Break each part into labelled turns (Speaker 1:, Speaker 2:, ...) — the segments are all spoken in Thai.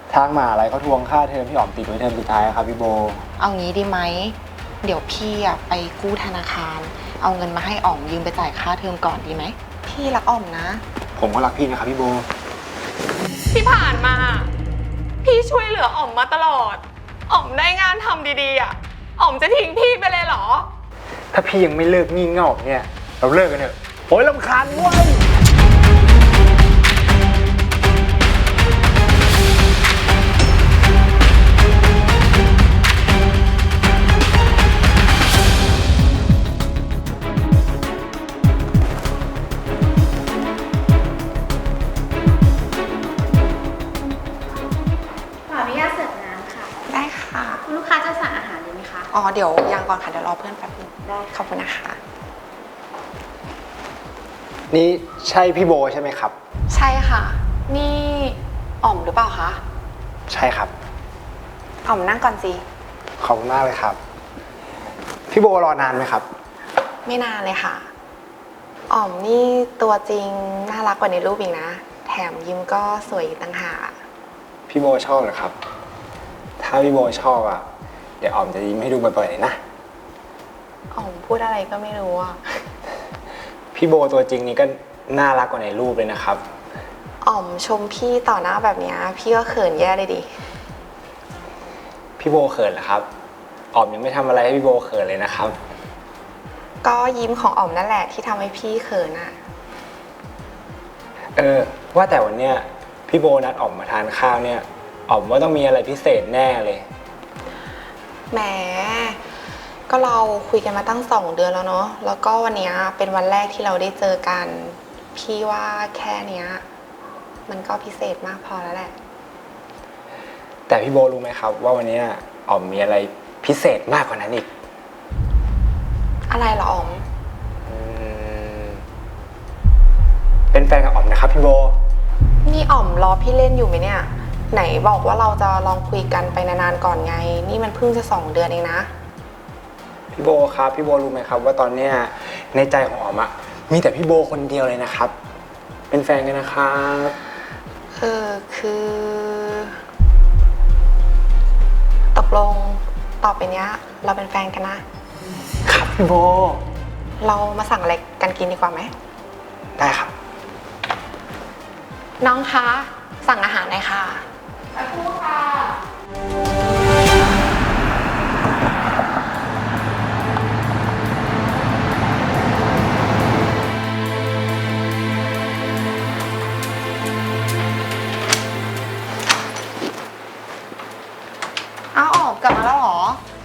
Speaker 1: ทางมหาลัยเขาทวงค่าเทอมที่อ๋อมติดไว้เทอมสุดท้ายครับพี่โบ
Speaker 2: เอางี้ดีไหมเดี๋ยวพี่ไปกู้ธนาคารเอาเงินมาให้อ๋อมยืมไปจ่ายค่าเทอมก่อนดีไหมพี่รักอ๋อมนะ
Speaker 1: ผมก็รักพี่นะครับพี่โบ
Speaker 3: ที่ผ่านมาพี่ช่วยเหลืออ๋อมมาตลอดอ๋อมได้งานทำดีๆอ่ะอ๋อมจะทิ้งพี่ไปเลยเหรอ
Speaker 1: ถ้าพี่ยังไม่เลิกงี่เง่าเนี่ยเราเลิกกันเถอะโอ้ยรำคาญเว้ย
Speaker 4: ขออนุญาตเสิร์ฟน้ำค่ะ
Speaker 2: ได้ค่ะ
Speaker 4: คุณลูกค้าจะสั่งอาหารเลยไหมคะ
Speaker 2: อ๋อเดี๋ยวยังก่อนค่ะเดี๋ยวรอเพื่อนแป๊บนึง
Speaker 4: ได้
Speaker 2: ขอบคุณนะคะ
Speaker 1: นี่ใช่พี่โบใช่ไหมครับ
Speaker 2: ใช่ค่ะนี่อ๋อมหรือเปล่าคะ
Speaker 1: ใช่ครับ
Speaker 2: อ๋อมนั่งก่อนสิ
Speaker 1: ขอบคุณมากเลยครับพี่โบรอนานไหมครับ
Speaker 2: ไม่นานเลยค่ะอ๋อมนี่ตัวจริงน่ารักกว่าในรูปอีกนะแถมยิ้มก็สวยอีกต่างหาก
Speaker 1: พี่โบชอบเหรอครับถ้าพี่โบชอบอ่ะเดี๋ยวอ๋อมจะยิ้มให้ดูบ่อยๆเลยนะ
Speaker 2: อ๋อมพูดอะไรก็ไม่รู้อ่ะ
Speaker 1: พี่โบตัวจริงนี่ก็น่ารักกว่าในรูปเลยนะครับ
Speaker 2: อ๋อมชมพี่ต่อหน้าแบบนี้พี่ก็เขินแย่เลยดิ
Speaker 1: พี่โบเขินเหรอครับอ๋อมยังไม่ทำอะไรให้พี่โบเขินเลยนะครับ
Speaker 2: ก็ยิ้มของอ๋อมนั่นแหละที่ทำให้พี่เขินอ่ะ
Speaker 1: ว่าแต่วันเนี้ยพี่โบนัดอ๋อมมาทานข้าวเนี่ยอ๋อมว่าต้องมีอะไรพิเศษแน่เลย
Speaker 2: แหมก็เราคุยกันมาตั้ง2 เดือนแล้วเนาะแล้วก็วันนี้เป็นวันแรกที่เราได้เจอกันพี่ว่าแค่เนี้ยมันก็พิเศษมากพอแล้วแหละ
Speaker 1: แต่พี่โบรู้ไหมครับว่าวันนี้อ๋อมมีอะไรพิเศษมากกว่านั้นอีก
Speaker 2: อะไรเหรออ๋อม
Speaker 1: เป็นแฟนกับอ๋อมนะครับพี่โบ
Speaker 2: นี่อ๋อมรอพี่เล่นอยู่ไหมเนี่ยไหนบอกว่าเราจะลองคุยกันไปนานๆก่อนไงนี่มันเพิ่งจะ2 เดือนเองนะ
Speaker 1: พี่โบครับพี่โบรู้ไหมครับว่าตอนเนี้ยในใจของอ๋อมอะมีแต่พี่โบคนเดียวเลยนะครับเป็นแฟนกันนะครับ
Speaker 2: คือตกลงต่อไปเนี้ยเราเป็นแฟนกันนะครับ
Speaker 1: พี่โบ
Speaker 2: เรามาสั่งอะไรกันกินดีกว่าไหม
Speaker 1: ได้ครับ
Speaker 2: น้องคะสั่งอาหารหน่อยค่ะ
Speaker 3: สักครู่ค่ะ
Speaker 2: อ้าวอ๋อมกลับมาแล้วเหรอ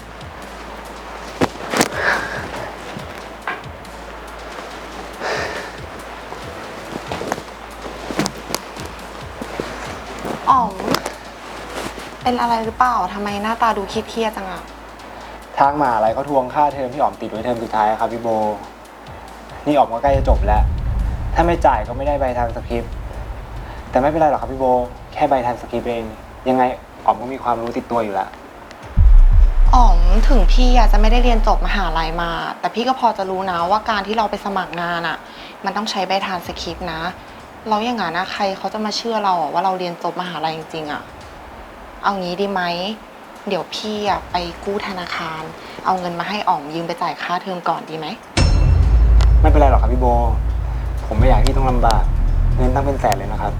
Speaker 2: อ๋อมเป็นอะไรหรือเปล่าทำไมหน้าตาดูเครียดๆจังอะ
Speaker 1: ทางมหาลัยเขาทวงค่าเทอมที่อ๋อมติดไว้เทอมสุดท้ายครับพี่โบนี่อ๋อมก็ใกล้จะจบแล้วถ้าไม่จ่ายก็ไม่ได้ใบทางสคริปต์แต่ไม่เป็นไรหรอกครับพี่โบแค่ใบทางสคริปต์เองยังไงอ๋อมก็มีความรู้ติดตัวอยู่แล้ว
Speaker 2: อ๋อมถึงพี่จะไม่ได้เรียนจบมหาลัยมาแต่พี่ก็พอจะรู้นะว่าการที่เราไปสมัครงานอะมันต้องใช้ใบทานสคริปต์นะเราอย่างงั้นนะใครเขาจะมาเชื่อเราว่าเราเรียนจบมหาลัยจริงๆอะเอางี้ดีไหมเดี๋ยวพี่ไปกู้ธนาคารเอาเงินมาให้อ๋อมยืมไปจ่ายค่าเทอมก่อนดีไหม
Speaker 1: ไม่เป็นไรหรอกครับพี่โบผมไม่อยากให้พี่ต้องลำบากเงินตั้งเป็นแสนเลยนะครับ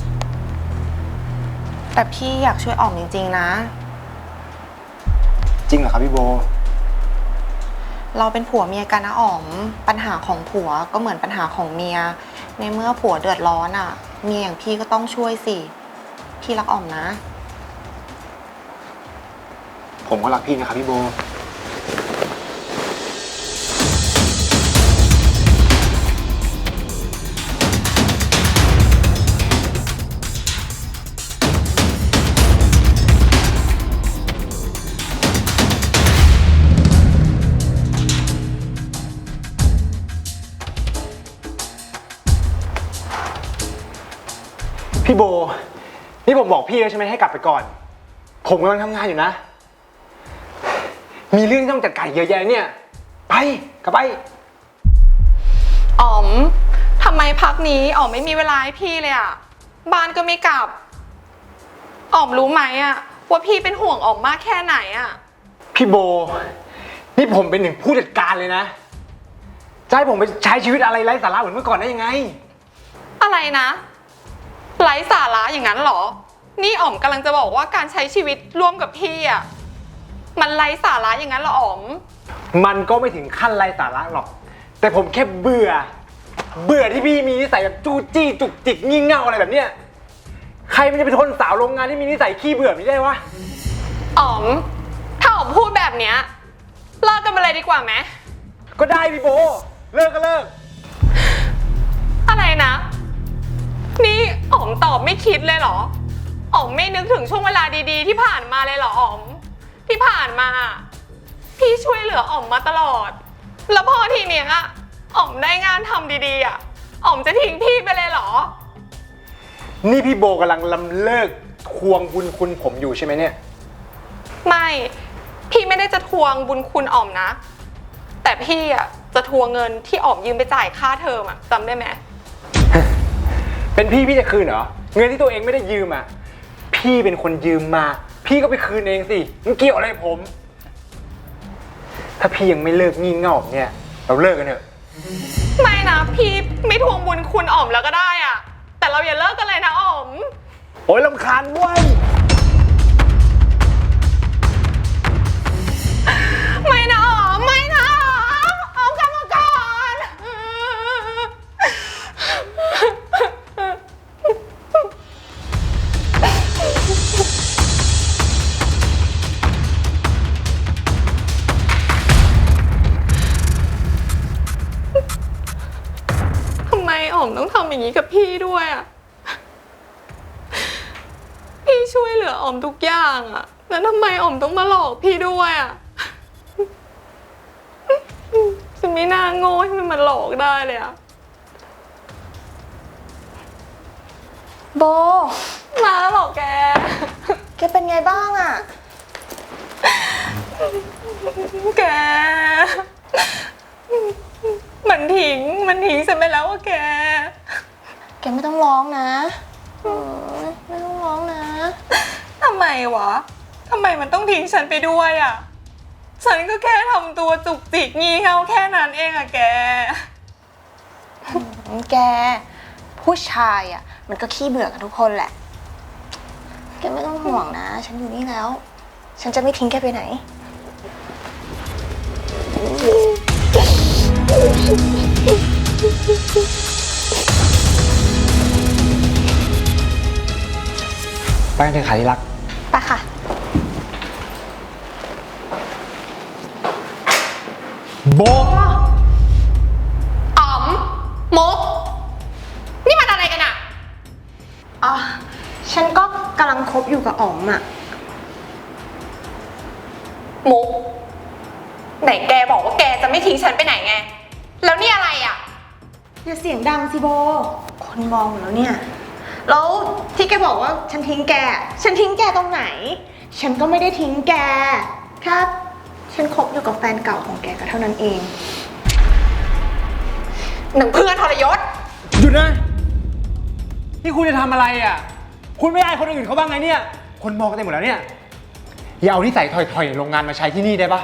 Speaker 2: แต่พี่อยากช่วยอ๋อมจริงๆนะ
Speaker 1: จริงเหรอครับพี่โบ
Speaker 2: เราเป็นผัวเมียกันนะอ๋อมปัญหาของผัวก็เหมือนปัญหาของเมียในเมื่อผัวเดือดร้อนอ่ะเมียอย่างพี่ก็ต้องช่วยสิพี่รักอ๋อมนะ
Speaker 1: ผมก็รักพี่นะครับพี่โบพี่โบนี่ผมบอกพี่แล้วใช่ไหมให้กลับไปก่อนผมกำลังทำงานอยู่นะมีเรื่องต้องจัดการเยอะแยะเนี่ยไปกลับไป
Speaker 3: อ๋อมทำไมพักนี้อ๋อมไม่มีเวลาให้พี่เลยอ่ะบ้านก็ไม่กลับอ๋อมรู้ไหมอะว่าพี่เป็นห่วงอ๋อมมากแค่ไหนอะ
Speaker 1: พี่โบ นี่ผมเป็นหนึ่งผู้จัดการเลยนะจะให้ผมไปใช้ชีวิตอะไรไร้สาระเหมือนเมื่อก่อนได้ยังไง
Speaker 3: อะไรนะไร้สาระอย่างนั้นเหรอนี่อ๋อมกำลังจะบอกว่าการใช้ชีวิตร่วมกับพี่อะมันไร้สาระอย่างนั้นเหรออ๋อม
Speaker 1: มันก็ไม่ถึงขั้นไร้สาระหรอก แต่ผมแค่เบื่อที่พี่มีนิสัยแบบจู้จี้จุกจิกงี่เง่าอะไรแบบเนี้ยใครมันจะไปทนสาวโรงงานที่มีนิสัยขี้เบื่อไม่ได้วะ
Speaker 3: อ๋อมถ้าอ๋อมพูดแบบเนี้ยเลิกกันไปเลยดีกว่าไหม
Speaker 1: ก็ได้พี่โบ เลิกก็เลิก
Speaker 3: อะไรนะ นี่อ๋อมตอบไม่คิดเลยเหรออ๋อมไม่นึกถึงช่วงเวลาดีๆที่ผ่านมาเลยเหรออ๋อมที่ผ่านมาพี่ช่วยเหลืออ๋อมมาตลอด แล้วพอทีเนี้ยอ๋อมได้งานทำดีๆอ่ะอ๋อมจะทิ้งพี่ไปเลยเหรอ
Speaker 1: นี่พี่โบกำลังลำเลิกทวงบุญคุณผมอยู่ใช่ไหมเนี่ย
Speaker 3: ไม่พี่ไม่ได้จะทวงบุญคุณอ๋อมนะ แต่พี่อ่ะจะทวงเงินที่อ๋อมยืมไปจ่ายค่าเทอมอ่ะจำได้ไหม
Speaker 1: เป็นพี่จะคืนเหรอ เงินที่ตัวเองไม่ได้ยืมอ่ะ พี่เป็นคนยืมมา พี่ก็ไปคืนเองสิมันเกี่ยวอะไรกับผม ถ้าพี่ยังไม่เลิกงี่เง่าแบบเนี่ย เราเลิกกันเถอะ
Speaker 3: ไม่นะพี่ไม่ทวงบุญคุณอ๋อมแล้วก็ได้อ่ะแต่เราอย่าเลิกกันเลยนะอ๋อม
Speaker 1: โอ้ยรำคาญเว้ย
Speaker 3: ไม่นะอ๋อมไม่นะอ๋อมกลับมาก่อนทำไมอ๋อมต้องทำอย่างนี้กับพี่ด้วยอ่ะพี่ช่วยเหลืออ๋อมทุกอย่างอ่ะแล้วทำไมอ๋อมต้องมาหลอกพี่ด้วยอ่ะฉันไม่น่าโง่ให้มันมาหลอกได้เลยอ่ะ
Speaker 2: โบ
Speaker 3: มาแล้วเหรอแก
Speaker 2: แกเป็นไงบ้างอะ
Speaker 3: แก มันทิ้งฉันไปแล้วอะแก
Speaker 2: แกไม่ต้องร้องนะไม่ต้องร้องนะ
Speaker 3: ทำไมวะ ทำไมมันต้องทิ้งฉันไปด้วยอะฉันก็แค่ทำตัวจุกจิกงี่เง่าแค่นั้นเองอะแก
Speaker 2: แกผู้ชายอ่ะมันก็ขี้เบื่อกันทุกคนแหละ แกไม่ต้องห่วงนะ ฉันอยู่นี่แล้ว ฉันจะไม่ทิ้งแกไปไหน
Speaker 1: ไปกันเถอะค่ะที่รัก
Speaker 2: ไปค่ะ
Speaker 1: โบ
Speaker 3: อ๋อมมุกนี่มันอะไรกันอะ
Speaker 2: อ๋อ ฉันก็กำลังคบอยู่กับอ๋อมอ่ะ
Speaker 3: มุกไหนแกบอกว่าแกจะไม่ทิ้งฉันไปไหนไง แล้วนี่อะไรอะ
Speaker 2: อย่าเสียงดังสิโบ คนมองหมดแล้วเนี่ย แล้วที่แกบอกว่าฉันทิ้งแก ฉันทิ้งแกตรงไหน ฉันก็ไม่ได้ทิ้งแกแค่ฉันคบอยู่กับแฟนเก่าของแกก็เท่านั้นเอง
Speaker 3: หนังเพื่อนทรยศ
Speaker 1: หยุดนะ นี่คุณจะทำอะไรอ่ะ คุณไม่อายคนอื่นเขาบ้างไงเนี่ย คนมองกันเต็มหมดแล้วเนี่ย อย่าเอานิสัยถอยๆโรงงานมาใช้ที่นี่ได้ปะ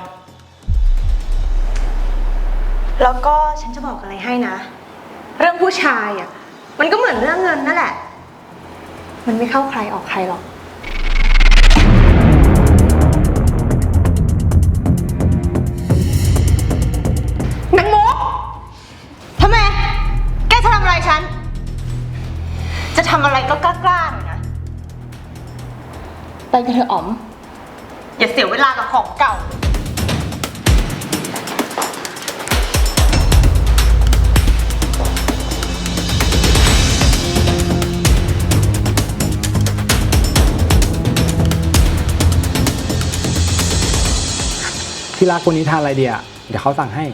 Speaker 2: แล้วก็ฉันจะบอกอะไรให้นะ เรื่องผู้ชายอ่ะ มันก็เหมือนเรื่องเงินนั่นแหละ มันไม่เข้าใครออกใครหรอก
Speaker 3: นางมุก
Speaker 2: ทำไม แกจะทำอะไรฉัน จะทำอะไรก็กล้าๆหน่อยนะ ไปกันเถอะอ๋อม อย่าเสียเวลากับของเก่า
Speaker 1: ที่รักวันนี้ทานอะไรดีอ่ะ เดี๋ยวเขาสั่งให้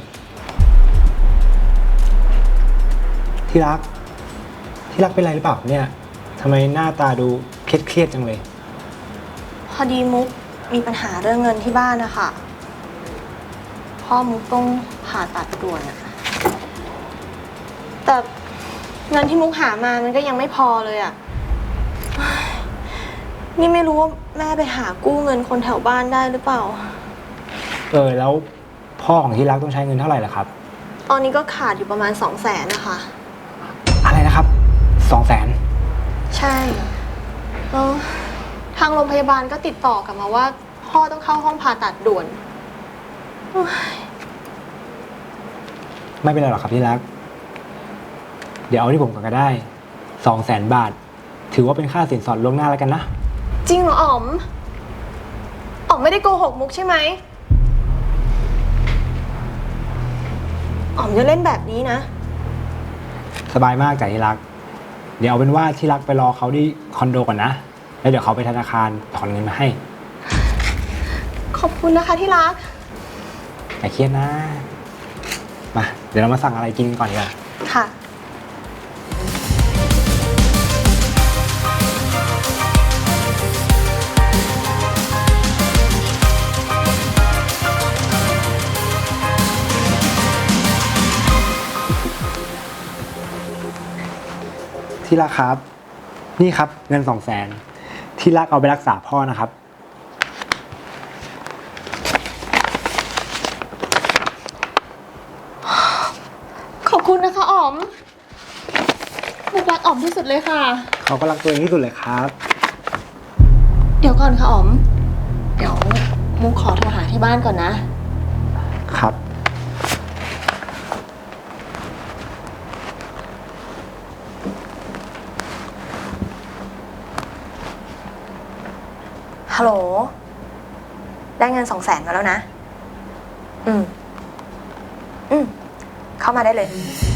Speaker 1: ที่รักเป็นไรหรือเปล่าเนี่ยทำไมหน้าตาดูเครียดจังเลย
Speaker 2: พอดีมุกมีปัญหาเรื่องเงินที่บ้านนะคะพ่อมุกต้องผ่าตัดด่วนอะแต่เงินที่มุกหามามันก็ยังไม่พอเลยอะ
Speaker 5: นี่ไม่รู้ว่าแม่ไปหากู้เงินคนแถวบ้านได้หรือเปล่า
Speaker 1: แล้วพ่อของที่รักต้องใช้เงินเท่าไหร่ล่ะครับ
Speaker 5: ตอนนี้ก็ขาดอยู่ประมาณ 200,000นะคะ
Speaker 1: อะไรนะครับ200,000
Speaker 5: ใช่แล้วทางโรงพยาบาลก็ติดต่อกลับมาว่าพ่อต้องเข้าห้องผ่าตัดด่วนโอ๊ย
Speaker 1: ไม่เป็นไรหรอกครับที่รัก เดี๋ยวเอาที่ผมก่อนก็ได้200,000 บาท ถือว่าเป็นค่าสินสอดล่วงหน้าแล้วกันนะ
Speaker 5: จริงเหรออ๋อม อ๋อมไม่ได้โกหกมุกใช่ไหม อ๋อมจะเล่นแบบนี้นะ
Speaker 1: สบายมากจ้ะที่รัก เดี๋ยวเอาเป็นว่าที่รักไปรอเขาที่คอนโดก่อนนะ แล้วเดี๋ยวเขาไปธนาคารถอนเงินมาให้
Speaker 5: ขอบคุณนะคะที่รัก
Speaker 1: อย่าเครียดนะ มา เดี๋ยวเรามาสั่งอะไรกินกันก่อนดีกว่า
Speaker 5: ค่ะ
Speaker 1: ที่รักครับ นี่ครับเงิน200,000ที่รักเอาไปรักษาพ่อนะครับ
Speaker 5: ขอบคุณนะคะอ๋อมมุกรักอ๋อมที่สุดเลยค่ะ
Speaker 1: เขาก็รักตัวเองที่สุดเลยครับ
Speaker 5: เดี๋ยวก่อนค่ะอ๋อม เดี๋ยวมุกขอโทรหาที่บ้านก่อนนะ
Speaker 1: ครับ
Speaker 5: ฮัลโหล ได้เงิน200,000มาแล้วนะ อืม เข้ามาได้เลย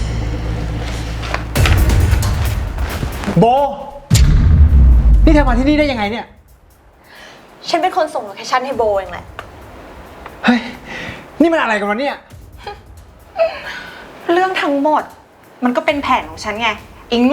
Speaker 1: โบ นี่เธอมาที่นี่ได้ยังไงเนี่ย
Speaker 5: ฉันเป็นคนส่งโลเคชั่นให้โบเองแหละ
Speaker 1: เฮ้ย นี่มันอะไรกันวะเนี่ย
Speaker 2: เรื่องทั้งหมด มันก็เป็นแผนของฉันไงไอ้โง่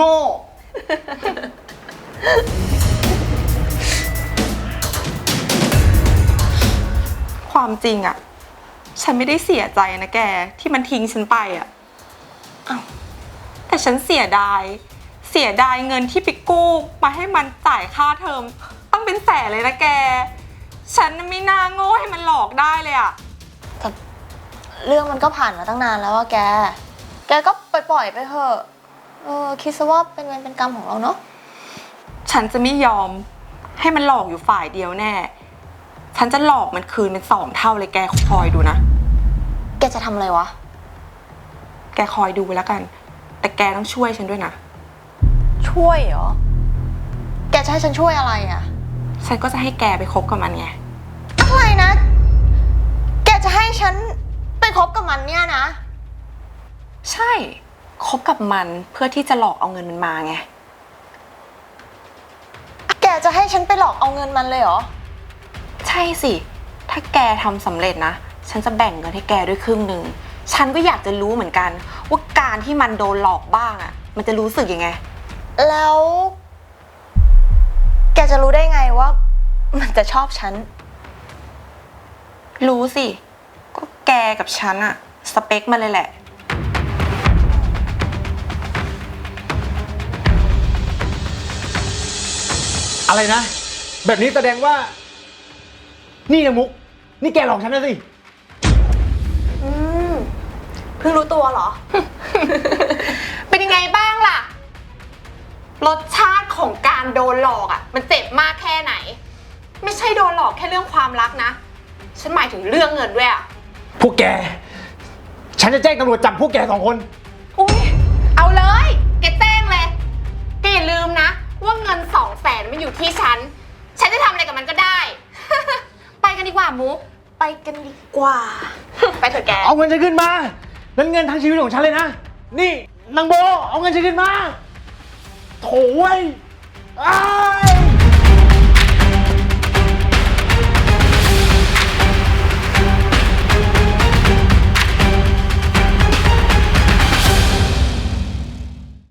Speaker 2: ความจริงอะฉันไม่ได้เสียใจนะแกที่มันทิ้งฉันไปอะอ้าวแต่ฉันเสียดายเงินที่ไปกู้มาให้มันจ่ายค่าเทอมต้องเป็นแสนเลยนะแก ฉันไม่น่าโง่ให้มันหลอกได้เลยอะ
Speaker 5: แต่เรื่องมันก็ผ่านมาตั้งนานแล้วอะแก แกก็ปล่อยไปเถอะ คิดซะว่าเป็นเวรเป็นกรรมของเราเนาะ
Speaker 2: ฉันจะไม่ยอมให้มันหลอกอยู่ฝ่ายเดียวแน่ ฉันจะหลอกมันคืนเป็น2 เท่าเลยแกคอยดูนะ
Speaker 5: แกจะทำอะไรวะ
Speaker 2: แกคอยดูแล้วกัน แต่แกต้องช่วยฉันด้วยนะ
Speaker 5: ช่วยเหรอ แกจะให้ฉันช่วยอะไรอะ
Speaker 2: ฉันก็จะให้แกไปคบกับมันไง
Speaker 5: อะไรนะ แกจะให้ฉันไปคบกับมันเนี่ยนะ
Speaker 2: ใช่ คบกับมันเพื่อที่จะหลอกเอาเงินมันมาไง
Speaker 5: แกจะให้ฉันไปหลอกเอาเงินมันเลยเหรอ
Speaker 2: ใช่สิ ถ้าแกทำสำเร็จนะ ฉันจะแบ่งเงินให้แกด้วยครึ่งหนึ่ง ฉันก็อยากจะรู้เหมือนกัน ว่าการที่มันโดนหลอกบ้างอ่ะ มันจะรู้สึกยังไง
Speaker 5: แล้ว แกจะรู้ได้ไงว่า มันจะชอบฉัน
Speaker 2: รู้สิ ก็แกกับฉันอะสเปคมันเลยแหละ
Speaker 1: อะไรนะ แบบนี้แสดงว่า นี่นะมุก นี่แกหลอกฉันนะสิ
Speaker 5: เพิ่งรู้ตัวเหรอ
Speaker 2: เป็นยังไงบ้างล่ะ รสชาติของการโดนหลอกอะมันเจ็บมากแค่ไหน ไม่ใช่โดนหลอกแค่เรื่องความรักนะ ฉันหมายถึงเรื่องเงินด้วยอะ
Speaker 1: พวกแก ฉันจะแจ้งตำรวจจับพวกแก2 คน
Speaker 2: อุ้ยเอาเลย แกแจ้งเลยแกอย่าลืมนะ ว่าเงิน200,000มันอยู่ที่ฉัน ฉันจะทำอะไรกับมันก็ได้ ไปกันดีกว่ามุก
Speaker 5: ไปกันดีกว่า
Speaker 2: ไปเถอะแก
Speaker 1: เอาเงินฉันขึ้นมา นั่นเงินทั้งชีวิตของฉันเลยนะ นี่นางโบ เอาเงินฉันขึ้นมา โถ่เว้ยอ้าย